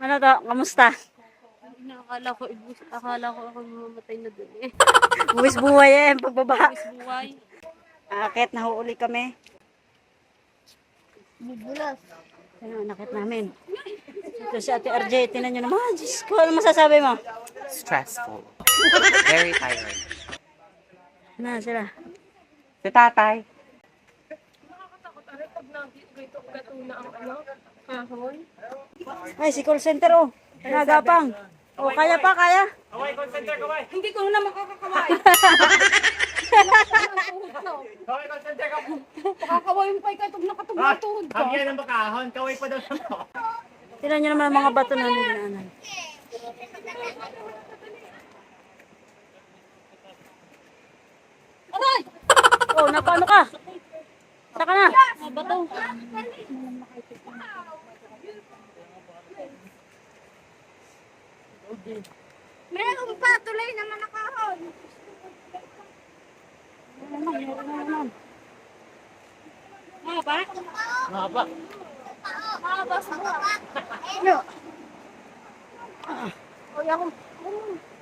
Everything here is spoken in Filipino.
Ano to? Kamusta? Akala ko ako mamatay na dun eh. Buwis buhay eh, pagbaba. Buwis buhay. Akit, nahuuli kami. Bubulas. Ano, nakit namin. Ito si Ate RJ, tinan nyo naman. Diyos ko, ano masasabi mo? Stressful. Very tired. Ano sila? Si tatay. Nakakatakot aray pag gato na ang ano, kahon. Ay, si call center oh. Nagapang. Oh, kaya pa, kaya? Kaway, call center, kaway. Hindi ko na makakakaway. Kaway, call center, kaway. Pakakaway mo pa ikatog na katog na tuhod ko. Hagyan ng bakahon, kaway pa daw sa mo. Tinan nyo naman ang mga bato na nilaanan. Aray! Oh, napaano ka? Saka na. Bato. Meron pa, tuloy naman na kahon. Mga ba? Mahaba. Mga ba sa mga? Ano? Oy, ako.